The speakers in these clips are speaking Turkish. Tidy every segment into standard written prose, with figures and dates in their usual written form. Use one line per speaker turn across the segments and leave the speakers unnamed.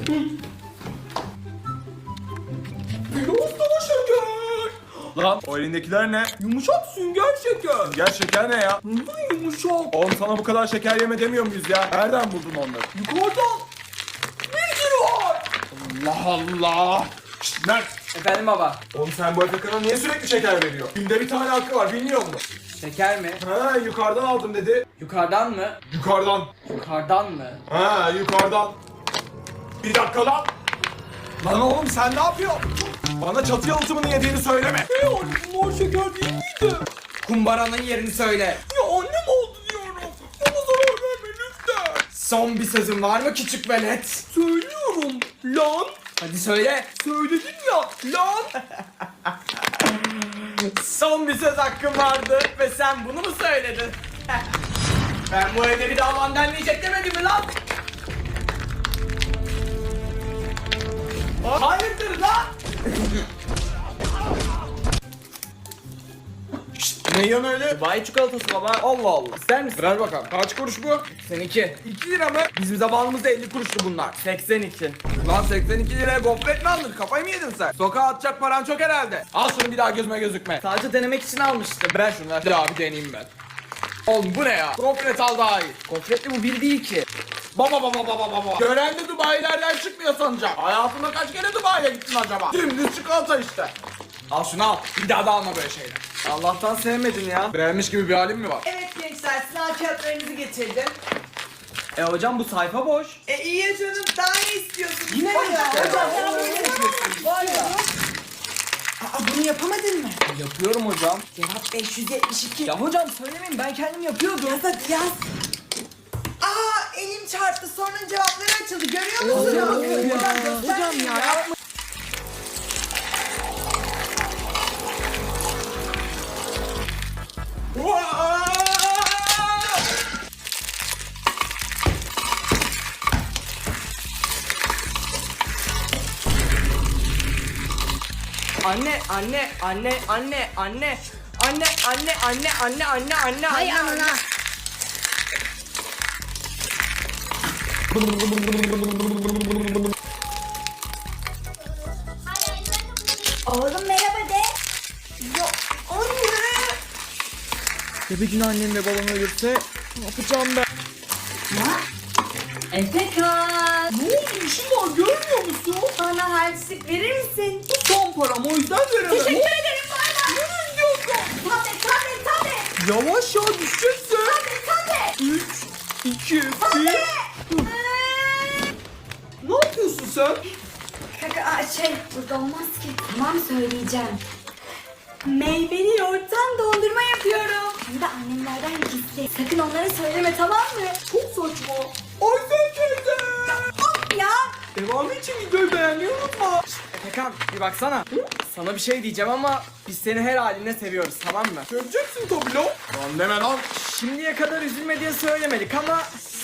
Biraz daha şeker.
Lan o elindekiler ne?
Yumuşak sünger şeker.
Sünger şeker ne ya?
Yumuşak.
Oğlum sana bu kadar şeker yeme demiyor muyuz ya? Nereden buldun onları?
Yukarıdan. Bir sürü var.
Allah Allah. Şşt Mert.
Efendim baba.
Oğlum sen bu Efekan'a niye sürekli şeker veriyor? Günde bir tane hakkı var bilmiyor musun?
Şeker mi?
Ha yukarıdan aldım dedi.
Yukarıdan mı?
Yukarıdan.
Yukarıdan mı?
Ha yukarıdan. Bir dakika lan. Lan oğlum sen ne yapıyorsun? Bana çatı yalıtımını yediğini söyleme.
Yani bunlar şeker değil miydi?
Kumbaranın yerini söyle.
Ya annem oldu diyorum. Bana zarar verme lütfen.
Son bir sözün var mı küçük velet?
Söylüyorum. Lan.
Hadi söyle.
Söyledin ya. Lan.
Son bir söz hakkım vardı ve sen bunu mu söyledin? Ben bu evde bir daha Van denmeyecek demedim mi lan? Hayırdır lan?
Şşt ne yiyorsun öyle?
Dubai çikolatası baba.
Allah Allah.
İster misin?
Ver bakalım. Kaç kuruş bu?
Seninki.
2 lira mı? Bizim zamanımızda 50 kuruştu bunlar.
82.
Lan 82 liraya gofret mi alınır? Kafayı mı yedin sen? Sokağa atacak paran çok herhalde. Al şunu bir daha gözüme gözükme.
Sadece denemek için almıştım.
Ver şunu ver. Bir daha bir deneyeyim ben. Oğlum bu ne ya? Gofret al daha iyi.
Gofretli bu bir değil ki.
Baba. Gören de Dubai'lerden çıkmıyor sanacak. Hayatında kaç kere Dubai'ye gittin acaba? Dümdüz çikolata işte. Al şunu al. Bir daha da alma böyle şeyler.
Allah'tan sevmedin ya.
Beğenmiş gibi bir halin mi var?
Evet gençler, sınav kağıtlarınızı getirdim.
Hocam bu sayfa boş.
İyi ya canım, daha ne istiyorsunuz?
Yine mi ya?
Hocam ya bunu yapıyorsunuz. Var ya. Aa, bunu yapamadın mı?
Yapıyorum hocam.
Cevap 572.
Ya hocam söylemeyin ben kendim yapıyordum.
Yaz hadi yaz. Aa, elim çarptı, sonra cevapları açıldı, görüyor musunuz?
Hocam ya yapma. Anne.
Hay anana. Oğlum merhaba de.
Ya anne!
Ya bir gün annem ve babam ölürse ne yapacağım ben?
Efekan.
Ne oldu işim var görmüyor musun?
Bana harçlık verir misin?
Bu son param o yüzden veremem.
Teşekkür ederim bana.
Nereye gidiyorsun?
Tabii.
Yavaş ya düşeceksin.
Tabii.
3, 2, 1. Ne yapıyorsun sen?
Kaka, burada olmaz ki. Tamam söyleyeceğim. Meyveli yoğurttan dondurma yapıyorum. Hem de annemlerden gizli. Sakın onlara söyleme tamam mı?
Çok saçma. Ayfer teyze.
Of ya.
Devamı için videoyu beğenmeyi unutma.
Efekan bir baksana. Sana bir şey diyeceğim ama biz seni her haline seviyoruz tamam mı?
Göreceksin tabii lan.
Lan deme lan.
Şimdiye kadar üzülme diye söylemedik ama...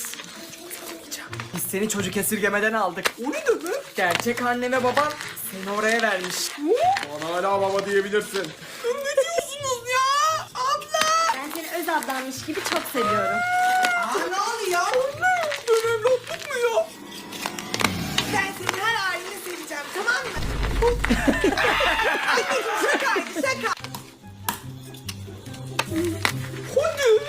Biz seni çocuk esirgemeden aldık.
O ne demek?
Gerçek anne ve baban seni oraya vermiş.
Bana hala baba diyebilirsin.
Ne diyorsunuz ya? Abla.
Ben seni öz ablanmış gibi çok seviyorum.
Aa, ne oluyor?
Anne. Ben evlatlık mı ya?
Ben senin her halini seveceğim, tamam mı? Anneciğim şakaydı, şaka.
Hadi.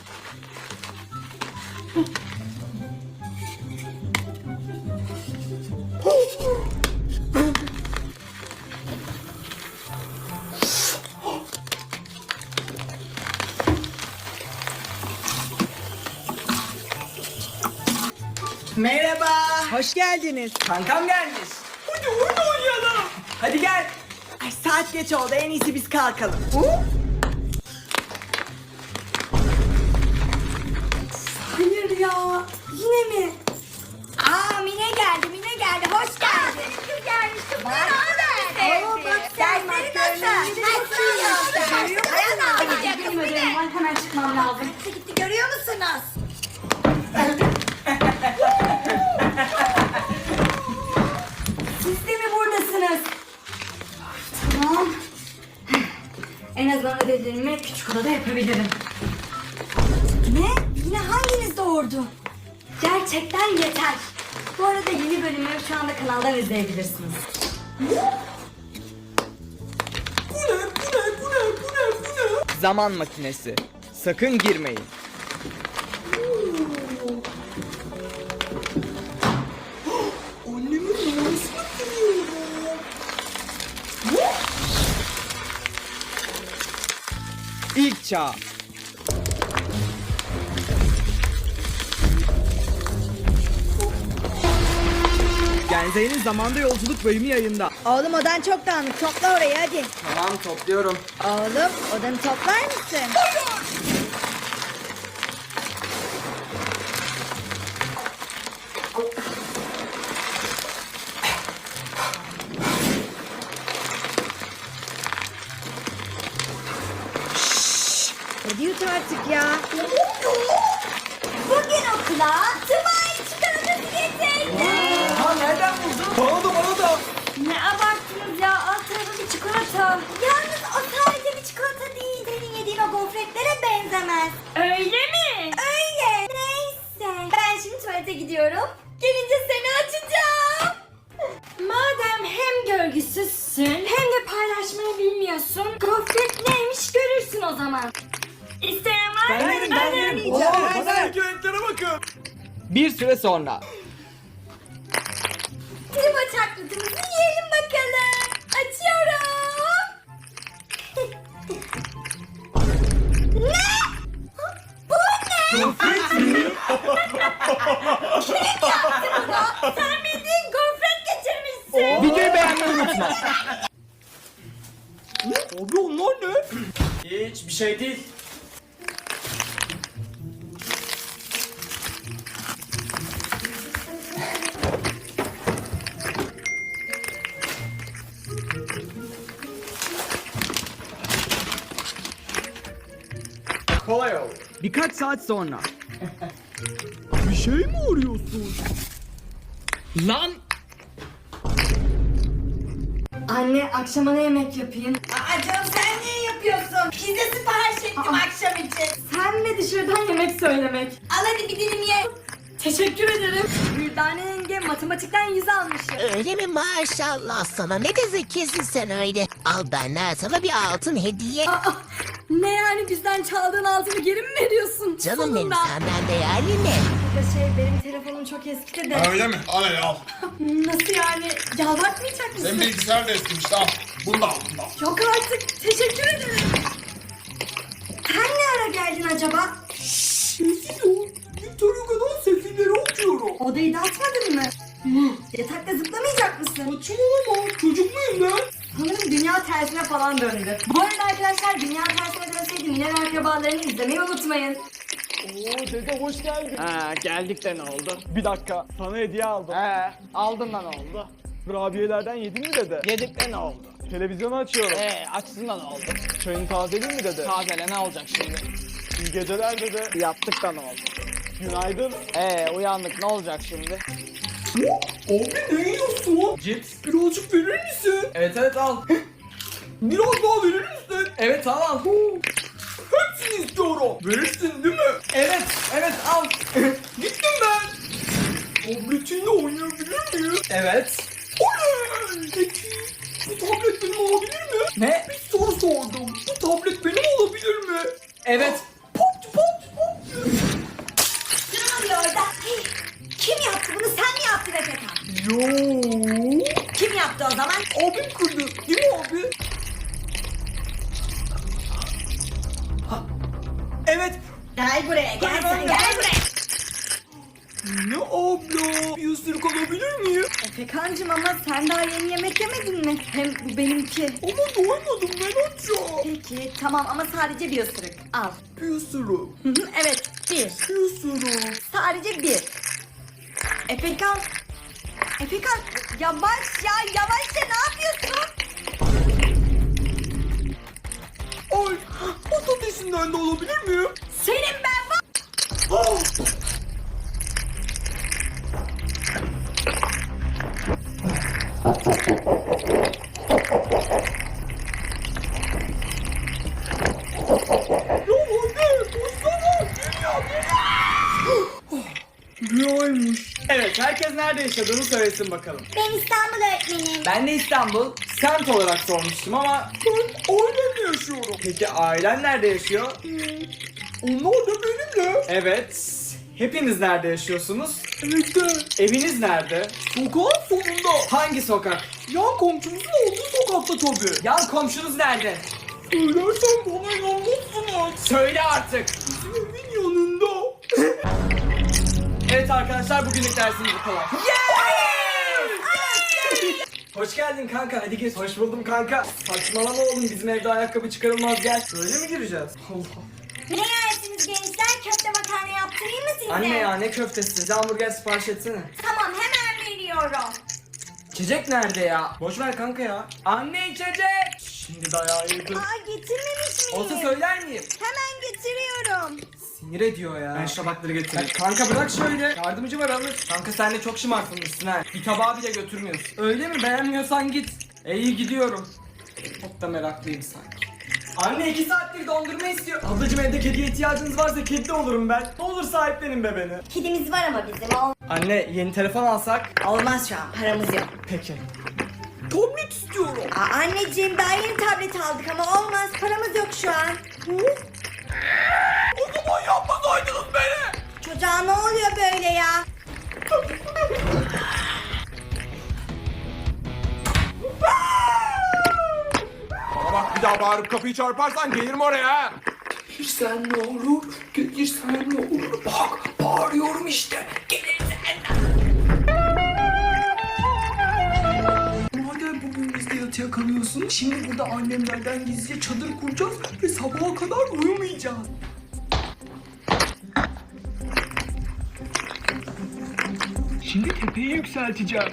Merhaba. Hoş geldiniz.
Kankam gelmiş.
Hadi oyun oynayalım.
Hadi gel.
Ay, saat geç oldu, en iyisi biz kalkalım.
Hayır ya. Yine mi? Aa Mine geldi. Hoş geldin. Kim gelmiş? Bak. Oo bak dersleri nasıl? Benim ödevim var. Hemen çıkmam lazım.
Gitti, görüyor musunuz?
Siz de mi buradasınız? Tamam. En azından ödevlerimi küçük odada yapabilirim. Ne? Yine hanginiz doğurdu? Gerçekten yeter. Bu arada yeni bölümü şu anda kanaldan izleyebilirsiniz.
Zaman makinesi. Sakın girmeyin.
Annemin numarasını kırıyorum.
İlk çağ. Genze'nin zamanda yolculuk bölümü yayında.
Oğlum odan çok dağınık. Topla orayı hadi.
Tamam, topluyorum.
Oğlum odanı toplar mısın? Hadi yut artık ya.
Bugün okula Tımay çikolatası getirdim.
Ha, nereden buldun? Bana da.
Ne abarttınız ya, alt tarafı bir çikolata. Yalnız o sadece bir çikolata değil. Senin yediğin o gofretlere benzemez. Öyle mi? Öyle. Neyse. Ben şimdi tuvalete gidiyorum. Gelince seni açacağım. Madem hem görgüsüzsün hem de paylaşmayı bilmiyorsun, gofret neymiş görürsün o zaman. İsteyen var mı?
Ben yerim.
Bana renklere bakın.
Bir süre sonra.
Tribo çaklıtımızı yiyelim bakalım. Açıyorum. Ne? Bu ne? Kim yaptı bunu? Sen bildiğin gofret getirmişsin.
Videoyu beğenmeyi unutma.
Abi onlar ne?
Hiç bir şey değil. Kolay oldu. Birkaç saat sonra.
Bir şey mi arıyorsun?
Lan!
Anne, akşama ne yemek yapayım?
Aa canım sen niye yapıyorsun? Pizza sipariş ettim akşam için.
Sen mi dışarıdan yemek söylemek?
Al hadi bir dilim ye.
Teşekkür ederim. Güldane yenge matematikten 100 almışım.
Öyle mi, maşallah sana, ne de zekisin sen öyle. Al benden sana bir altın hediye.
Aa, ne yani, bizden çaldığın altını geri mi veriyorsun?
Canım benim,
Sonunda.
senden değerli ne?
Benim telefonum çok eskidi de.
Öyle mi? Al hele al.
Nasıl yani? Yalvartmayacak mısın?
Senin bilgisayar da eskimiş al. Bunu da al. Bunu da al.
Yok artık. Teşekkür ederim. Sen ne ara geldin acaba?
Sessiz ol. Victor Hugo'dan sefilleri okuyorum.
Odayı dağıtmadın mı? Yatakta zıplamayacak mısın?
Saçmalama. Çocuk muyum ben?
Sanırım dünya tersine falan döndü. Bu arada arkadaşlar, dünya tersine dönseydi Miner akrabalarını izlemeyi unutmayın.
Oo dede, hoş geldin. Ha, geldik de ne oldu? Bir dakika, sana hediye aldım. Aldın da ne oldu?
Kurabiyelerden yedin mi dede?
Yedik de ne oldu?
Televizyonu açıyorum.
Açsın da ne oldu?
Çayını tazeleyeyim mi dede?
Tazele ne olacak şimdi?
İyi geceler dede.
Yattık da ne oldu?
Günaydın.
Uyandık, ne olacak şimdi?
Abi ne yiyorsun?
Cips.
Birazcık verir misin?
Evet al.
Biraz daha verir misin?
Evet al.
Hepsini istiyorum. Verirsin değil mi?
Evet al.
Gittim ben. Tabletinle oynayabilir miyim?
Evet.
Oley! Peki bu tablet benim olabilir mi?
Ne?
Bir soru sordum. Bu tablet benim olabilir mi?
Evet.
Pop pop pop.
Ne oluyor orada? Hey, kim yaptı bunu? Sen mi yaptın Efekan?
Yo.
Kim yaptı o zaman?
Abim kırdı. Değil mi abi?
Evet.
Gel buraya, gel sen, gel buraya.
Ne abla? Bir ısırık alabilir miyim?
Efekancığım, ama sen daha yeni yemek yemedin mi? Hem bu benimki.
Ama doymadım ben açım.
Peki tamam, ama sadece bir ısırık. Al.
Bir ısırık.
Evet, bir.
Bir ısırık.
Sadece bir. Efekan. Efekan, yavaş ya, yavaşça, ne yapıyorsun?
Ay patatesinden de alabilir miyim?
Senin ben var.
Ah! Rüyaymış.
Evet, herkes Herkes nerede yaşadığını söylesin bakalım.
Ben İstanbul öğretmenim.
Ben de İstanbul, semt olarak sormuştum ama...
Ben ailemle yaşıyorum.
Peki ailen nerede yaşıyor?
Onlar da benimle.
Evet. Hepiniz nerede yaşıyorsunuz?
Evde.
Eviniz nerede?
Sokağın sonunda.
Hangi sokak?
Yan komşumuzun olduğu sokakta tabii.
Yan komşunuz nerede?
Söylersen bana inanmazsınız.
Söyle artık.
Bizim evin yanında.
Evet arkadaşlar, bugünlük dersimiz bu kadar. Hoş geldin kanka, hadi geç. Hoş buldum kanka. Saçmalama oğlum, bizim evde ayakkabı çıkarılmaz, gel. Böyle mi gireceğiz? Allah.
Ne yersiniz gençler? Köfte makarna yaptırayım mı size?
Anne ya, ne köftesi? Size hamburger sipariş etsene.
Tamam hemen veriyorum.
İçecek nerede ya? Boş ver kanka ya. Anne içecek. Şimdi dayağı yedim.
Aa getirmemiş miyim?
Olsa söyler miyim?
Hemen getiriyorum.
Sinir ediyor ya. Ben şu tabakları getireyim. Kanka bırak şöyle. Yardımcı var alır. Kanka sen de çok şımartılmışsın ha. Bir tabağı bile götürmüyorsun. Öyle mi? Beğenmiyorsan git. İyi gidiyorum. Çok da meraklıyım sanki. Anne 2 saattir dondurma istiyor. Ablacım evde kediye ihtiyacınız varsa kedi de olurum ben. Ne olur sahiplenin be beni.
Kedimiz var ama bizim.
Anne yeni telefon alsak.
Olmaz şu an, paramız yok.
Peki.
Tablet istiyorum.
Aa, anneciğim daha yeni tablet aldık ama olmaz, paramız yok şu an.
O zaman yapmasaydınız beni.
Çocuğa ne oluyor böyle ya?
Bana bak, bir daha bağırıp kapıyı çarparsan gelirim oraya.
Gelirsen ne olur? Gelirsen ne olur? Bak bağırıyorum işte. Gelirsen. Madem bugün bizde yatıya kalıyorsun, şimdi burada annemlerden gizlice çadır kuracağız ve sabaha kadar uyumayacağız. Şimdi tepeyi yükselteceğim.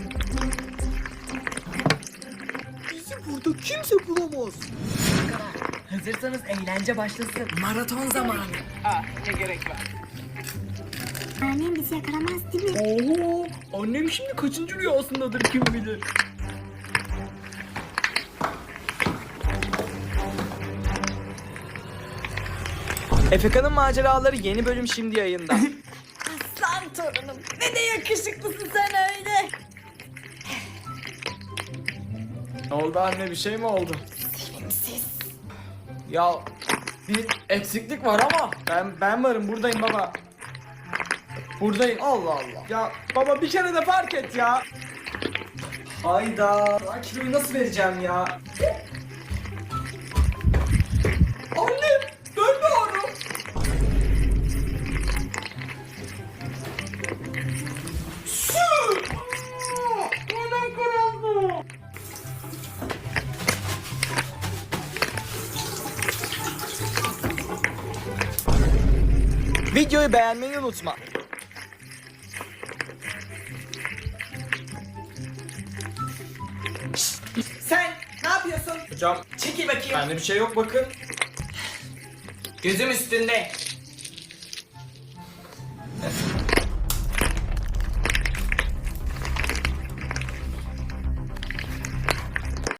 Bizi burada kimse bulamaz.
Hazırsanız eğlence başlasın. Maraton zamanı.
Annem bizi yakalamaz değil mi?
Oo, annem şimdi kaçıncı rüyasındadır kim bilir.
Efeka'nın maceraları yeni bölüm şimdi yayında.
Aslan torunum, ne de yakışıklısın sen öyle.
Ne oldu anne, bir şey mi oldu?
Sevimsiz.
Ya bir eksiklik var ama ben varım, buradayım baba. Buradayım. Allah Allah. Ya baba bir kere de fark et ya. Hayda. Ben kiloyu nasıl vereceğim ya?
Annem, ben de arım.
Videoyu beğenmeyi unutma.
Sen ne yapıyorsun?
Hocam
Çekil bakayım.
bende bir şey yok bakın.
Gözüm üstünde.